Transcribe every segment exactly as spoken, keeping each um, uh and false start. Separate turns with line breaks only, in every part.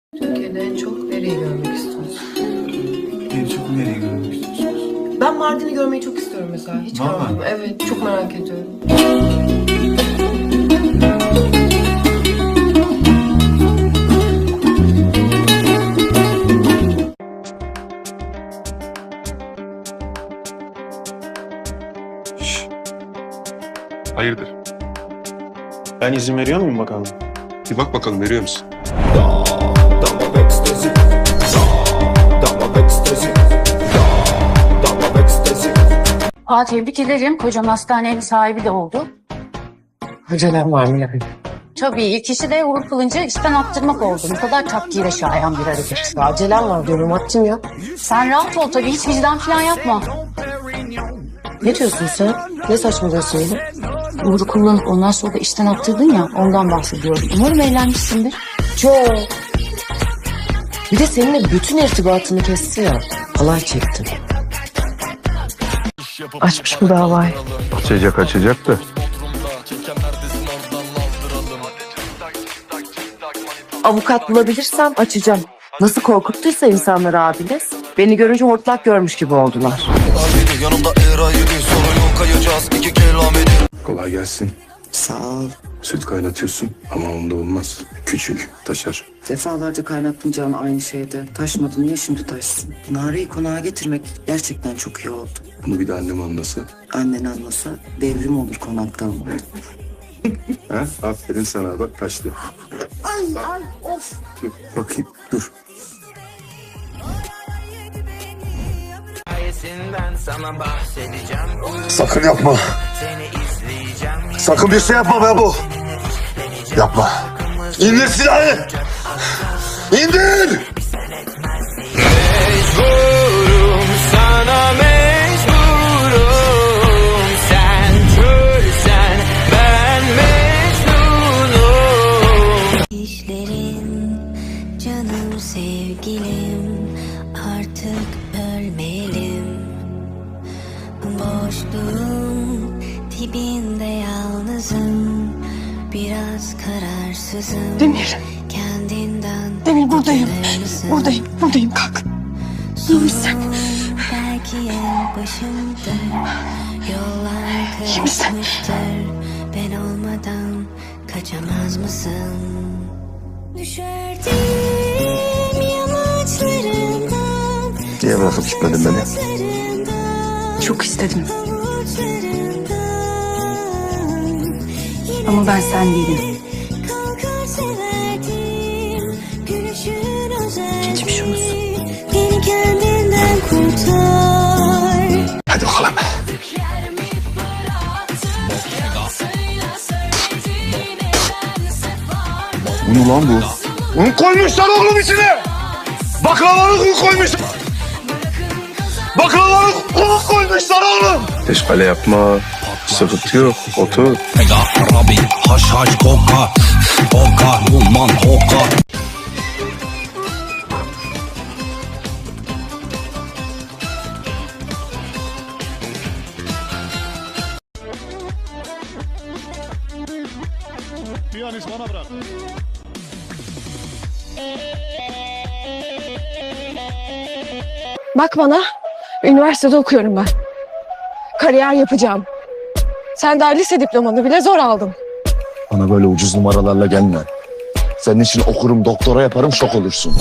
Türkiye'de en çok nereyi görmek istiyorsun?
En çok nereyi görmek istiyorsunuz?
Ben Mardin'i görmeyi çok istiyorum mesela. Hiç
Vallahi.
görmedim. Evet, çok merak ediyorum.
Hayırdır?
Ben izin veriyor muyum bakalım?
Bir bak bakalım, veriyor musun?
Aa, tebrik ederim. Kocam hastanenin sahibi de oldu.
Acelem var mı yani?
Tabii ilk işi de Uğur Kılıncı işten attırmak oldu. Ne kadar takdire şayan bir hareket.
Acelem var diyorum, attım ya.
Sen rahat ol tabii, hiç vicdan falan yapma.
Ne diyorsun sen? Ne saçmalıyorsun yine?
Uğur'u kullanıp ondan sonra da işten attırdın ya, ondan bahsediyorum. Umarım eğlenmişsindir.
Çok. Bir de seninle bütün irtibatını kesti ya. Halay çektim. Açmış bu davayı.
Açacak açacak da.
Avukat bulabilirsem açacağım. Nasıl korkuttuysa insanları abiniz. Beni görünce hortlak görmüş gibi oldular.
Kolay gelsin.
Sağ ol.
Süt kaynatıyorsun ama onda olmaz. Küçük, taşar.
Defalarca kaynattım canı aynı şeyde. Taşmadı, niye şimdi taşsın? Nareyi konağa getirmek gerçekten çok iyi oldu.
Bunu bir de annem anlasa.
Annen anlasa devrim olur konakta ama.
Ha? Aferin sana, bak kaçtı.
Ay ay of.
Dur, bakayım, dur.
Sakın yapma. Sakın bir şey yapma be bu. Yapma. İndir silahı. İndir.
Mecburum sana mecburum. Sen körsen ben mecnunum.
İşlerin canım sevgilim, artık ölmeyelim. Boşluğun dibinde yalnızım, biraz kararsızım.
Demir.
Kendinden
Demir buradayım.
mısın?
Buradayım, buradayım, kalk. İyi misin?
Belki en başımda yollar
İyi misin?
karışmıştır. Ben olmadan kaçamaz mısın? Düşerdim yamaçlarından,
Niye bırakıp gitmedin beni?
Çok istedim. Ama ben sen değilim.
Geçmiş olsun. Beni kendinden kurtar.
Hadi bakalım. Bu ne lan bu? Un koymuşlar oğlum içine. Baklavalık un koymuşlar. Baklavalık un koymuşlar oğlum.
Teşkale yapma. Sıkıntı yok, otur.
Arabi haş haş koka koka umman koka.
Bak bana, üniversitede okuyorum ben. Kariyer yapacağım. Sen daha lise diplomanı bile zor aldın.
Bana böyle ucuz numaralarla gelme. Senin için okurum, doktora yaparım, şok olursun.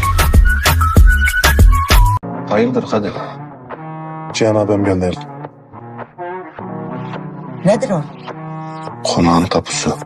Hayırdır Kadir? Cihan abim gönderdi.
Nedir o?
Konağın tapusu.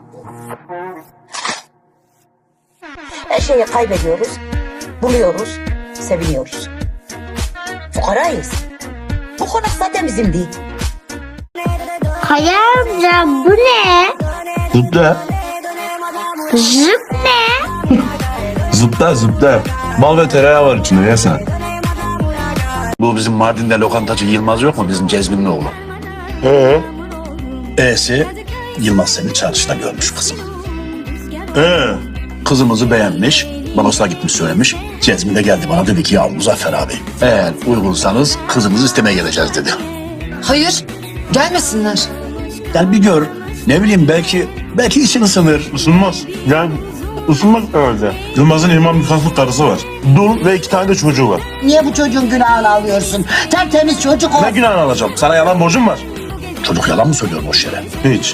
Her şeyi kaybediyoruz, buluyoruz, seviniyoruz. Fukarayız. Bu konak zaten bizim değil.
Kaya amca bu ne?
Zıpla.
Zıp ne?
Zıpla zıpla. Bal ve tereyağı var içinde, ya sen. Bu bizim Mardin'de lokantacı Yılmaz yok mu, bizim Cezmin'in oğlu? Ee? E'si Yılmaz seni çarşıda görmüş kızım. Ee? Kızımızı beğenmiş, banosuna gitmiş söylemiş. Cezmi de geldi bana, dedi ki ya Muzaffer abi, eğer uygunsanız kızımızı istemeye geleceğiz dedi.
Hayır, gelmesinler.
Gel bir gör, ne bileyim belki belki için ısınır. Isınmaz. Gel. Isınmak herhalde. Yılmaz'ın imam nikahlı karısı var. Dul ve iki tane de çocuğu var.
Niye bu çocuğun günahını alıyorsun? Tertemiz çocuk o.
Ne günahını alacağım? Sana yalan borcum var.
Çocuk yalan mı söylüyor boş yere?
Hiç.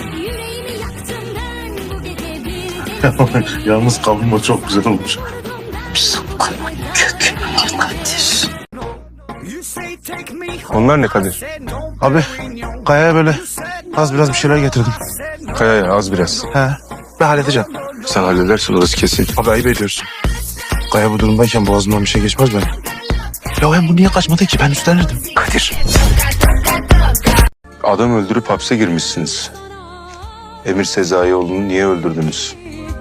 Yalnız kavurma çok güzel olmuş.
Onlar ne Kadir?
Abi Kaya'ya böyle az biraz bir şeyler getirdim.
Kaya'ya az biraz.
He. Ben halledeceğim.
Sen halledersin orası kesin.
Abi ayıp ediyorsun. Kaya bu durumdayken boğazımdan bir şey geçmez benim. Ya hem bu niye kaçmadı ki? Ben üstlenirdim.
Kadir. Adam öldürüp hapse girmişsiniz. Emir Sezaioğlu'nu niye öldürdünüz?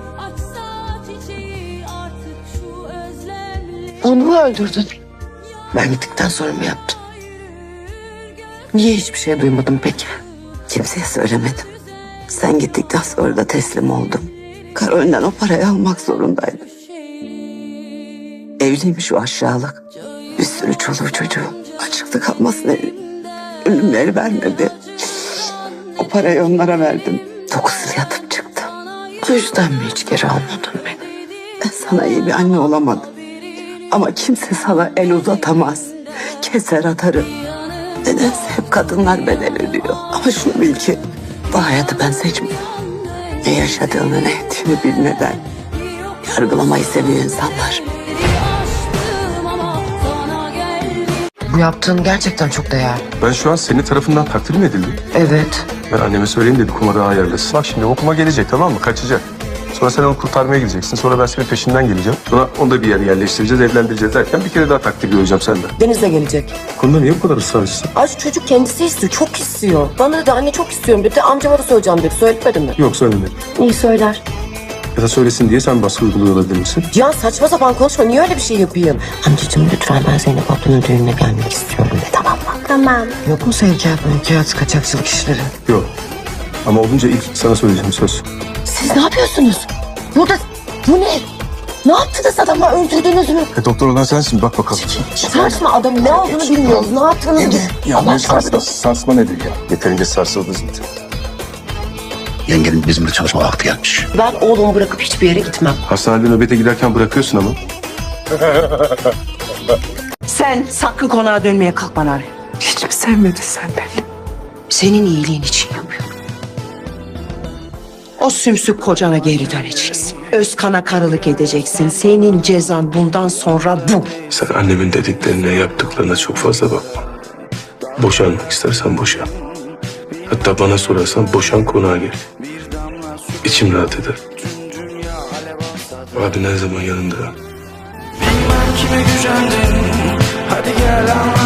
Onu mu öldürdün?
Ben gittikten sonra mı yaptın? Niye hiçbir şey duymadım peki? Kimseye söylemedim. Sen gittikten sonra da teslim oldum. Karol'den o parayı almak zorundaydım. Evliymiş o aşağılık. Bir sürü çoluğu çocuğu. Açıkta kalmasın ölümleri vermedi. O parayı onlara verdim. Dokuz yıl yatıp çıktım. O yüzden mi hiç geri almadın beni? Ben sana iyi bir anne olamadım. Ama kimse sana el uzatamaz. Keser atarım. Nedense hep kadınlar bedel ödüyor. Ama şunu bil ki bu hayatı ben seçmiyorum. Ne yaşadığını ne ettiğini bilmeden yargılamayı seviyor insanlar.
Bu yaptığın gerçekten çok değerli.
Ben şu an senin tarafından takdir mi edildim?
Evet.
Ben anneme söyleyeyim dedi kuma daha ayarlasın. Bak şimdi o kuma gelecek tamam mı? Kaçacak. Sonra sen onu kurtarmaya gideceksin. Sonra ben senin peşinden geleceğim. Sonra onu da bir yere yerleştireceğiz, evlendireceğiz derken bir kere daha takdir göreceğim senden.
Deniz de gelecek.
Bu konuda niye bu kadar ısrarcısın?
Ay şu çocuk kendisi istiyor. Çok istiyor. Bana dedi anne çok istiyorum dedi. Amcama da söyleyeceğim dedi. Söyletmedi mi?
Yok söylemedim.
İyi söyler.
Ya da söylesin diye sen baskı uyguluyor olabilir misin?
Cihan saçma sapan konuşma. Niye öyle bir şey yapayım? Amcacığım lütfen ben Zeynep ablanın düğününe gelmek istiyorum de tamam mı?
Tamam.
Yok mu sevkiyat mülkiyat kaçakçılık işleri?
Yok. Ama olunca ilk sana söyleyeceğim söz.
Siz ne yapıyorsunuz? Burada bu ne? Ne yaptınız adama öldürdünüz mü?
E, doktor olan sensin bak bakalım.
Sarsma adamın ne olduğunu bilmiyoruz. Ne yaptınız biz?
Ya ne sarsma, sarsma nedir ya? Yeterince sarsıldı zaten.
Yengenin bizimle çalışma vakti gelmiş.
Ben oğlumu bırakıp hiçbir yere gitmem.
Hastanede nöbete giderken bırakıyorsun ama.
Sen sakın konağa dönmeye kalkma Nari.
Hiç mi sevmedin sen beni?
Senin iyiliğin için yapıyorum. O sümsük kocana geri döneceksin. Özkan'a karılık edeceksin. Senin cezan bundan sonra bu.
Sen annemin dediklerine, yaptıklarına çok fazla bakma. Boşanmak istersen boşan. Hatta bana sorarsan boşan konağa gel. İçim rahat eder. Abi her zaman yanında.
Bilmem kime gücendin. Hadi gel anlat.